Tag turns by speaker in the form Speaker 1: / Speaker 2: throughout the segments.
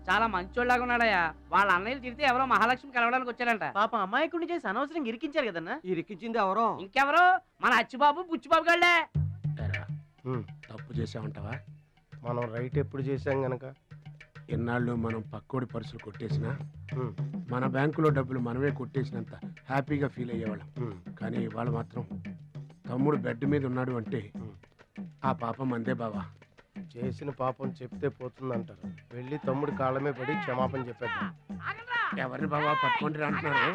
Speaker 1: చాలా మంచోళ్ళగా ఉన్నాడయ్యా. వాళ్ళ అన్నయ్యలు తిరిగితే ఎవరో మహాలక్ష్మి కలవడానికి వచ్చారంట.
Speaker 2: పాపం అమాయకుడిని చేసి అనవసరంగా ఇరికించారు కదన్నా.
Speaker 3: ఇరికించింది ఎవరో?
Speaker 1: ఇంకెవరు? మన అచ్చిబాబు బుచ్చిబాబు గాళ్ళే.
Speaker 4: తప్పు చేసామంటావా?
Speaker 3: మనం రైట్ ఎప్పుడు చేసాం గనక
Speaker 4: ఎన్నాళ్ళు మనం పక్కోడి పర్సులు కొట్టేసినా మన బ్యాంకులో డబ్బులు మనమే కొట్టేసినంత హ్యాపీగా ఫీల్ అయ్యేవాళ్ళం. కానీ ఇవాళ మాత్రం తమ్ముడు బెడ్ మీద ఉన్నాడు అంటే ఆ పాపం అందే బావా.
Speaker 3: చేసిన పాపం చెప్తే పోతుందంటారు. వెళ్ళి తమ్ముడి కాళ్ళమే పడి క్షమాపణ చెప్పేద్దాం.
Speaker 4: ఎవరిని బావా పట్టుకుంటారు అంటున్నారు?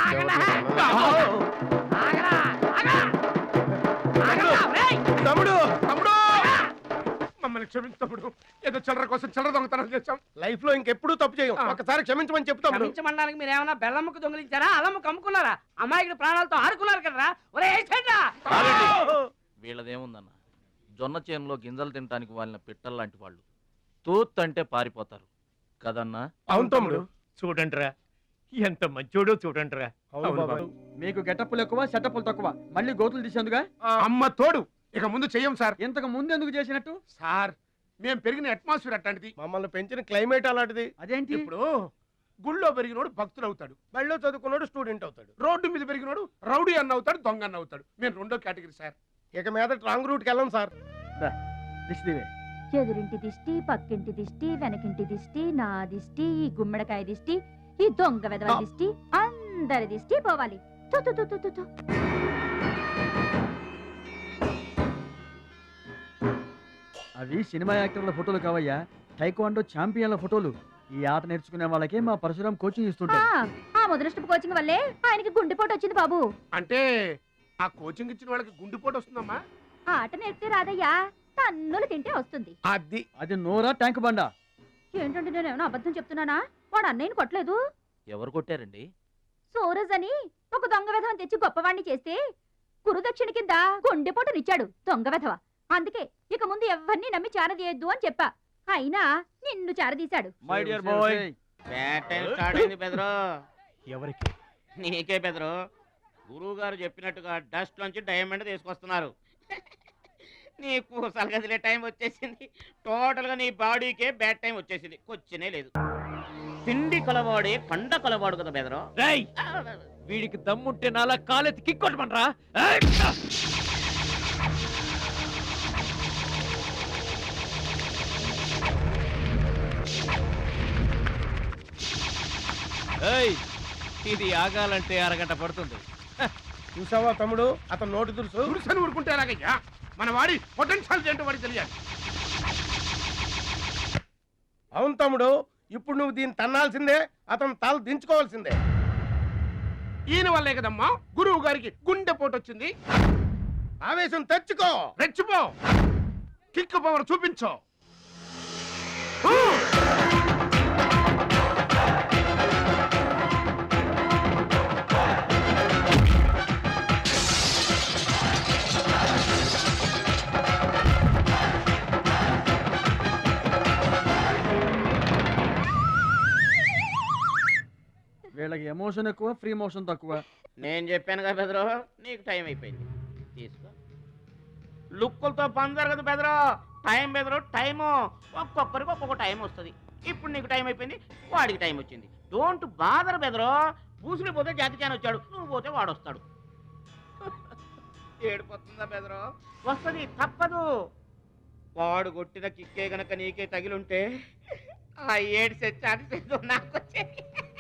Speaker 3: తమ్ముడు
Speaker 4: తమ్ముడు మమ్మల్ని క్షమించు తమ్ముడు. ఏదో చిల్లర కోసం చిల్లర దొంగతనం చేశాం.
Speaker 3: లైఫ్ లో ఇంకెప్పుడు తప్పు చేయం. ఒకసారి క్షమించమని చెప్తాం.
Speaker 1: క్షమించమనడానికి మీరు ఏమన్నా బెల్లమ్మకు దొంగిలించారా, అల్లమ్మకు అమ్ముకున్నారా? అమాయకుడి ప్రాణాలతో ఆడుకున్నారు కదరా. ఒరే
Speaker 5: వీళ్ళదేముందన్న, జొన్న చేనులో గింజలు తినడానికి వాళ్ళ పిట్టల్లాంటి వాళ్ళు. తూత్ అంటే పారిపోతారు కదన్నా.
Speaker 3: అవును తమ్ముడు.
Speaker 6: చూడండిరా ఎంత మంచోడో చూడండిరా.
Speaker 2: మీకు గెటప్పులు ఎక్కువ సెటప్పులు తక్కువ. మళ్ళీ గోతులు తీసేందుగా
Speaker 4: అమ్మ తోడు. ఇక ముందు చెయ్యం సార్.
Speaker 2: ఇంతకు ముందు ఎందుకు చేసినట్టు?
Speaker 4: సార్ మేము పెరిగిన అట్మాస్ఫియర్ అట్లాంటిది.
Speaker 3: మమ్మల్ని పెంచిన క్లైమేట్ అలాంటిది.
Speaker 2: అదేంటి?
Speaker 4: ఇప్పుడు గుళ్ళో పెరిగినోడు భక్తుడు అవుతాడు,
Speaker 3: బళ్ళో చదువుకున్నాడు స్టూడెంట్ అవుతాడు,
Speaker 4: రోడ్డు మీద పెరిగినోడు రౌడీ అన్న అవుతాడు, దొంగ అన్న అవుతాడు. మేము రెండో కేటగిరీ సార్.
Speaker 3: ఇక మీద రాంగ్ రూట్కి వెళ్ళం సార్.
Speaker 7: ఎదురింటి దిష్టి, పక్కింటి దిష్టి, వెనకింటి దిష్టి, నా దిష్టి, ఈ గుమ్మడికాయ దిష్టి, ఈ దొంగ వెధవ దిష్టి, అందరి దిష్టి పోవాలి.
Speaker 2: అవి సినిమా యాక్టర్ల ఫోటోలు కావయ్యా, టైక్వాండో ఛాంపియన్ల ఫోటోలు. ఈ ఆట నేర్చుకునే వాళ్ళకే మా పరశురాం కోచింగ్ ఇస్తుంటారు.
Speaker 7: ఆ మొదలష్టపు కోచింగ్ వల్లే ఆయనకి గుండెపోటు వచ్చింది బాబు.
Speaker 4: అంటే ఆ కోచింగ్ ఇచ్చిన వాళ్ళకి గుండెపోటు వస్తుందమ్మా?
Speaker 7: ఆట నేర్పితే రాదయ్యా, తన్నులు తింటే వస్తుంది.
Speaker 2: అది నోరా ట్యాంక్ బండా?
Speaker 7: ఏంటంటే నేను ఏమైనా అబద్ధం చెప్తున్నానా? వాడు అన్నయ్యని కొట్టలేదు.
Speaker 5: ఎవరు కొట్టారండి?
Speaker 7: సూరజ్ అని ఒక దొంగ వెధవని తెచ్చి గొప్పవాణ్ణి చేస్తే గురుదక్షిణ కింద గుండెపోటునిచ్చాడు దొంగ వెధవ. అందుకే ఇక ముందు ఎవరిని నమ్మి చారదీయొద్దు అని చెప్పా. అయినా నిన్ను చారదీశాడు.
Speaker 2: My dear boy,
Speaker 8: bad time start అయింది బెదరు.
Speaker 6: ఎవరికి?
Speaker 8: నీకే బెదరు. గురువు గారు చెప్పినట్టుగా డస్ట్ నుంచి డైమండ్ తీసుకొస్తున్నారు. నీకు సలగదిలే టైం వచ్చేసింది. టోటల్ గా నీ బాడీకే బ్యాడ్ టైం వచ్చేసింది. కొచ్చినే లేదు. పిండి కొలవాడే కండ కొలవాడు కదా బెదరు.
Speaker 6: వీడికి దమ్ముంటే నాలా కాలెత్తి కిక్కొట్టమంటరా?
Speaker 5: ఇది ఆగాలంటే అరగంట పడుతుంది.
Speaker 3: చూసావా తమ్ముడు, అతను నోటి దురుసు.
Speaker 4: దురుసని ఊరుకుంటే ఎలాగయ్యా? మన వాడి పొటెన్షియల్ ఏంటో వాడికి తెలియాలి.
Speaker 3: అవును తమ్ముడు, ఇప్పుడు నువ్వు దీన్ని తన్నాల్సిందే, అతను తల దించుకోవాల్సిందే.
Speaker 4: ఈయన వల్లే కదమ్మా గురువు గారికి గుండెపోటు వచ్చింది.
Speaker 3: ఆవేశం తెచ్చుకో,
Speaker 4: రెచ్చిపో, కిక్ పవర్ చూపించో.
Speaker 2: వీళ్ళకి ఎమోషన్ ఎక్కువ, ఫ్రీ మోషన్ తక్కువ.
Speaker 8: నేను చెప్పాను కదా బెదరు, నీకు టైం అయిపోయింది. తీసుకో. లుక్కులతో పని జరగదు బెదరు. టైం బెదరు, టైము. ఒక్కొక్కరికి ఒక్కొక్క టైం వస్తుంది. ఇప్పుడు నీకు టైం అయిపోయింది, వాడికి టైం వచ్చింది. డోంట్ బాదర్ బెదరు. పూసులు పోతే జాతి చాన్ వచ్చాడు, నువ్వు పోతే వాడు వస్తాడు. ఏడిపోతుందా బెదరు? వస్తుంది, తప్పదు. వాడు కొట్టిన కిక్కే గనక నీకే తగిలుంటే ఆ ఏడు సెట్ నాకు వచ్చేది.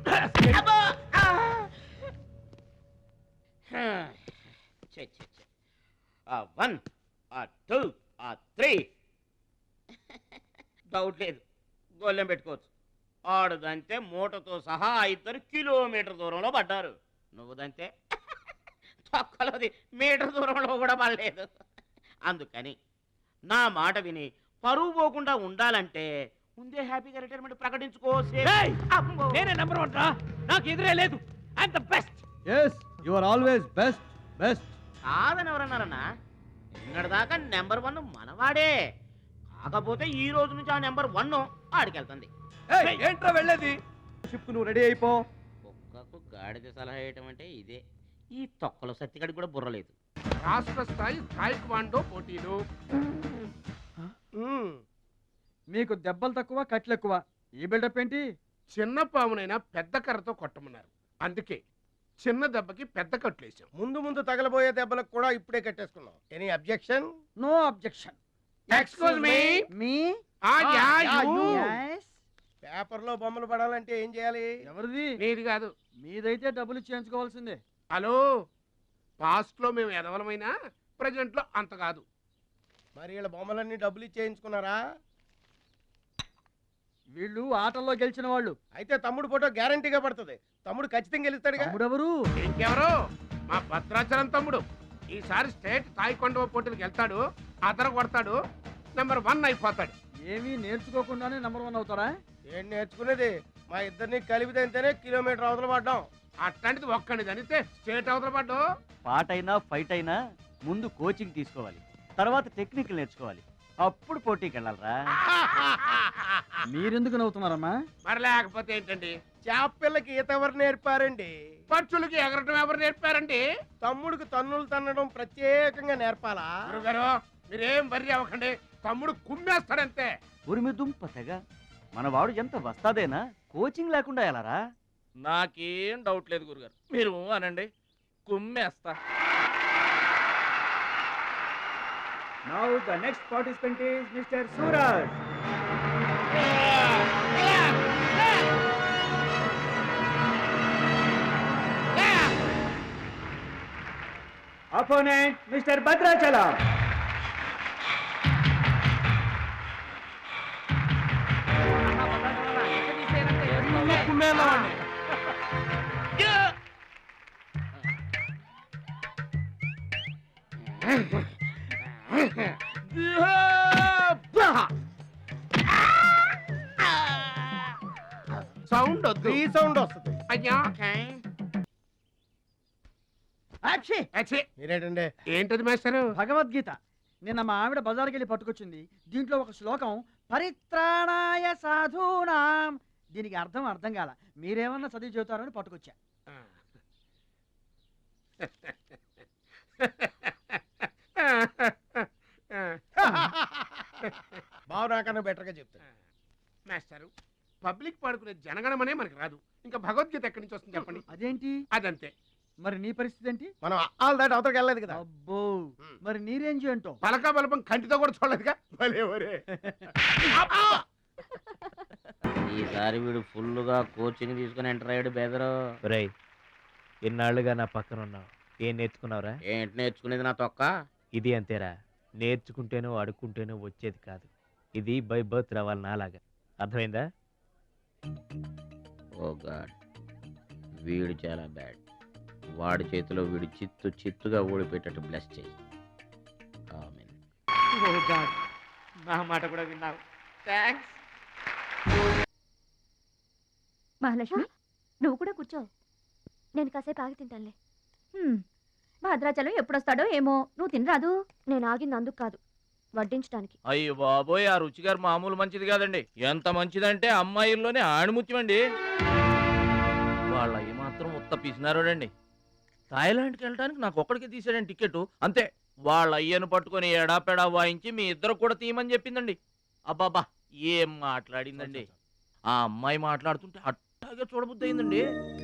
Speaker 8: One, two, three. డౌట్ లేదు, గోళ్ళెం పెట్టుకోవచ్చు. ఆడుదంతే మూటతో సహా 2 కిలోమీటర్ దూరంలో పడ్డారు. నువ్వుదంతే తొక్కలోది మీటర్ దూరంలో కూడా పడలేదు. అందుకని నా మాట విని పరువు పోకుండా ఉండాలంటే ముందే హ్యాపీగా రిటైర్మెంట్ ప్రకటించుకో.
Speaker 6: నేనే నెంబర్ 1 రా, నాకు ఎదురే లేదు. I'm the best.
Speaker 2: yes you are always best.
Speaker 8: కాదని ఎవరన్నారన్నా? నిన్నటిదాకా నెంబర్ 1 మనవాడే. కాకపోతే ఈ రోజు నుంచి ఆ నెంబర్ 1 ఆడికెళ్తుంది.
Speaker 2: ఏంట్రా వెళ్ళేది? షిప్ నువ్వు రెడీ అయిపో.
Speaker 8: కుక్కకు గాడిద సలహా వేయటం అంటే ఇదే. ఈ తొక్కలో సత్తిగడికి కూడా బుర్రలేదు.
Speaker 4: రాష్ట్ర స్థాయి టైక్వాండో పోటీలు.
Speaker 2: మీకు దెబ్బలు తక్కువ, కట్లు ఎక్కువ. ఈ బిల్డప్ ఏంటి?
Speaker 4: చిన్న పామునైనా పెద్ద కర్రతో కొట్టమన్నారు, అందుకే చిన్న దెబ్బకి పెద్ద కట్లేసాం.
Speaker 3: ముందు ముందు తగలబోయే దెబ్బలకు కూడా ఇప్పుడే కట్టేసుకున్నాం. Any objection?
Speaker 2: No objection.
Speaker 4: Excuse me.
Speaker 2: మీ
Speaker 3: పేపర్ లో బొమ్మలు పడాలంటే ఏం చేయాలి?
Speaker 2: ఎవరిది?
Speaker 4: నీది కాదు.
Speaker 2: మీదైతే డబ్బులు చేయించుకోవాల్సిందే.
Speaker 4: హలో, పాస్ట్ లో మేము ఎదవలమైనా ప్రజెంట్ లో అంత కాదు.
Speaker 3: మరి వీళ్ళ బొమ్మలన్నీ డబ్బులు ఇచ్చేయించుకున్నారా?
Speaker 2: వీళ్ళు ఆటల్లో గెలిచిన వాళ్ళు.
Speaker 3: అయితే తమ్ముడు ఫోటో గ్యారంటీగా పడుతుంది. తమ్ముడు ఖచ్చితంగా గెలుస్తాడుగా.
Speaker 2: తమ్ముడెవరు?
Speaker 4: ఇంకెవరు? మా భద్రాచలం తమ్ముడు. ఈసారి స్టేట్ తాయికొండ పోటీలకు వెళ్తాడు, అదర కొడతాడు, నెంబర్ 1 అయిపోతాడు.
Speaker 2: ఏమీ నేర్చుకోకుండానే నెంబర్ 1 అవుతారా?
Speaker 3: ఏం నేర్చుకునేది? మా ఇద్దరిని కలిపితేనే కిలోమీటర్ అవతల పడ్డాం.
Speaker 4: అట్లాంటిది ఒక్కడిని చనితే స్టేట్ అవతల పడ్డు.
Speaker 9: పాటైనా ఫైట్ అయినా ముందు కోచింగ్ తీసుకోవాలి, తర్వాత టెక్నిక్ నేర్చుకోవాలి, అప్పుడు పోటీకి వెళ్ళాలరా.
Speaker 2: మీరెందుకు నవ్వుతున్నారమ్మా?
Speaker 4: మరి లేకపోతే ఏంటండి?
Speaker 3: చేపపిల్లకి ఈత ఎవరు నేర్పారండి?
Speaker 4: పక్షులకి ఎగరటం ఎవరు నేర్పారండి?
Speaker 3: తమ్ముడికి తన్నులు తన్నడం ప్రత్యేకంగా నేర్పాలా?
Speaker 4: గురుగారు మీరేం బర్రి అవ్వకండి, తమ్ముడు కుమ్మేస్తాడంతే.
Speaker 9: ఉరిమి దుంప తెగ మన వాడు ఎంత వస్తాదేనా, కోచింగ్ లేకుండా వెళ్ళారా.
Speaker 5: నాకేం డౌట్ లేదు గురుగారు, మీరు అనండి, కుమ్మేస్తా.
Speaker 6: Now the next participant is Mr. Suraj. Opponent Mr. Bhadrachalam.
Speaker 4: Sound వద్దు,
Speaker 3: ఈ సౌండ్ వస్తుంది.
Speaker 4: అయ్యా.
Speaker 3: మీరేంటండి?
Speaker 4: ఏంటది మాస్టరు?
Speaker 2: భగవద్గీత. నిన్న మా ఆవిడ బజార్కి వెళ్ళి పట్టుకొచ్చింది. దీంట్లో ఒక శ్లోకం పరిత్రాణాయ సాధూనాం. దీనికి అర్థం కాల. మీరేమన్నా చదివి చెబుతారని పట్టుకొచ్చా.
Speaker 3: బావు నాకన్నా బెటర్గా చెప్తాను.
Speaker 4: మాస్టరు, పబ్లిక్ పాడుకునే జనగణమనే మనకి రాదు, ఇంకా భగవద్గీత ఎక్కడి నుంచి వస్తుంది చెప్పండి?
Speaker 2: అదేంటి?
Speaker 4: అదంతే.
Speaker 2: మరి నీ పరిస్థితి ఏంటి?
Speaker 3: మనం ఆల్ దాటి అవతలకి వెళ్ళలేదు కదా.
Speaker 2: అబ్బో, మరి నీ రేంజ్ ఏంటో?
Speaker 4: పలక బలపం కంటితో కూడా చూడలేదుగా. భలే ఒరే.
Speaker 8: ఈసారి వీడు ఫుల్గా కోచింగ్ తీసుకుని ఎంటర్ అయ్యాడు బెదరు.
Speaker 6: రై, ఇన్నాళ్ళుగా నా పక్కన ఉన్నావు, ఏం నేర్చుకున్నావురా?
Speaker 8: ఏంటి నేర్చుకునేది నా తొక్క?
Speaker 6: ఇది అంతేరా, నేర్చుకుంటేనో అడుక్కుంటేనో వచ్చేది కాదు. ఇది బై బర్త్ రావాలి నాలాగా. అర్థమైందా?
Speaker 8: ఓ గాడ్, వీడు చాలా బ్యాడ్. వాడి చేతిలో వీడు చిత్తుగా ఓడిపోయేటట్టు బ్లెస్ చేయి. ఆమేన్.
Speaker 6: ఓ గాడ్, నా మాట కూడా విన్నావు. థాంక్స్.
Speaker 7: మహాలక్ష్మి, నువ్వు కూడా కూర్చో.
Speaker 10: నేను కాసేపు ఆగి తింటానులే.
Speaker 7: భద్రాచలం ఎప్పుడొస్తాడో ఏమో, నువ్వు తినరాదు?
Speaker 10: నేను ఆగింది అందుకు కాదు, వడ్డించడానికి.
Speaker 5: అయ్యో బాబోయ్, ఆ రుచిగారు మామూలు మంచిది కాదండి. ఎంత మంచిదంటే అమ్మాయిల్లోనే ఆణిముత్యమండి. వాళ్ళ ఏమాత్రం ఉత్త పిసినారోడండి. థాయిలాండ్కి వెళ్ళడానికి నాకు ఒక్కడికి తీసాడండి టికెట్, అంతే. వాళ్ళ అయ్యను పట్టుకొని ఎడాపెడా వాయించి మీ ఇద్దరు కూడా తీయమని చెప్పిందండి. అబ్బాబా, ఏం మాట్లాడిందండి. ఆ అమ్మాయి మాట్లాడుతుంటే అట్టాగే చూడబుద్ధి అయిందండి.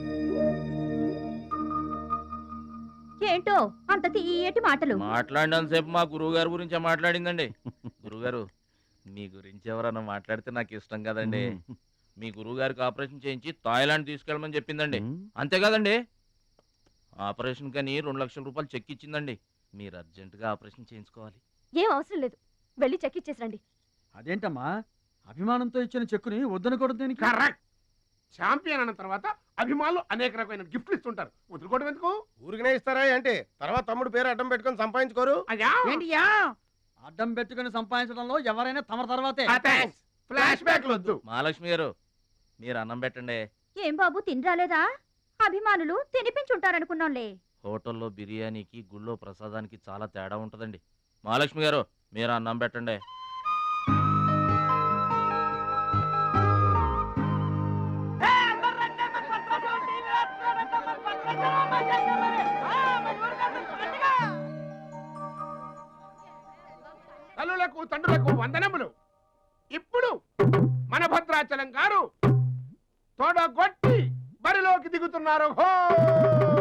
Speaker 7: ఏంటో అంత తీయటి మాటలు
Speaker 5: మాట్లాడినంతసేపు మా గురువు గారి గురించే మాట్లాడిందండి. గురుగారు, మీ గురించి ఎవరన్నా మాట్లాడితే నాకు ఇష్టం కదండి. మీ గురువు గారికి ఆపరేషన్ చేయించి థాయిలాండ్ తీసుకెళ్ళమని చెప్పిందండి. అంతేకాదండి, ఆపరేషన్ కని 2 లక్షల రూపాయలు చెక్ ఇచ్చిందండి. మీరు అర్జెంటుగా ఆపరేషన్ చేయించుకోవాలి.
Speaker 10: ఏం అవసరం లేదు, వెళ్ళి చెక్ ఇచ్చేసిరండి.
Speaker 2: అదేంటమ్మా, అభిమానంతో ఇచ్చిన చెక్కుని వద్దనకూడదు దేనికి?
Speaker 4: కరెక్ట్. ఛాంపియన్ అన్న తర్వాత అభిమానులు అనేక రకమైన గిఫ్ట్లు ఇస్తుంటారు, వదులుకోవడం ఎందుకు?
Speaker 3: ఊరికనే ఇస్తారా అంటే? తర్వాత తమ్ముడు పేరు అడ్డం పెట్టుకొని సంపాదించుకోరు.
Speaker 4: అయ్యా,
Speaker 2: ఏంటియా? అడ్డం పెట్టుకుని సంపాదించడంలో ఎవరైనా తమ తర్వాతే.
Speaker 4: ఫ్లాష్ బ్యాక్ వద్దు.
Speaker 5: మహాలక్ష్మి గారు, మీరు అన్నం పెట్టండి.
Speaker 7: ఏం బాబు, తినరాలేదా? అభిమానులు తినిపించుంటారనుకున్నాంలే.
Speaker 5: హోటల్లో బిర్యానీకి గుళ్ళో ప్రసాదానికి చాలా తేడా ఉంటుందండి. మహాలక్ష్మి గారు, మీరు అన్నం పెట్టండి.
Speaker 4: తల్లులకు తండ్రులకు వందనములు. ఇప్పుడు మన భద్రాచలం గారు తొడగొట్టి బరిలోకి దిగుతున్నారు. హో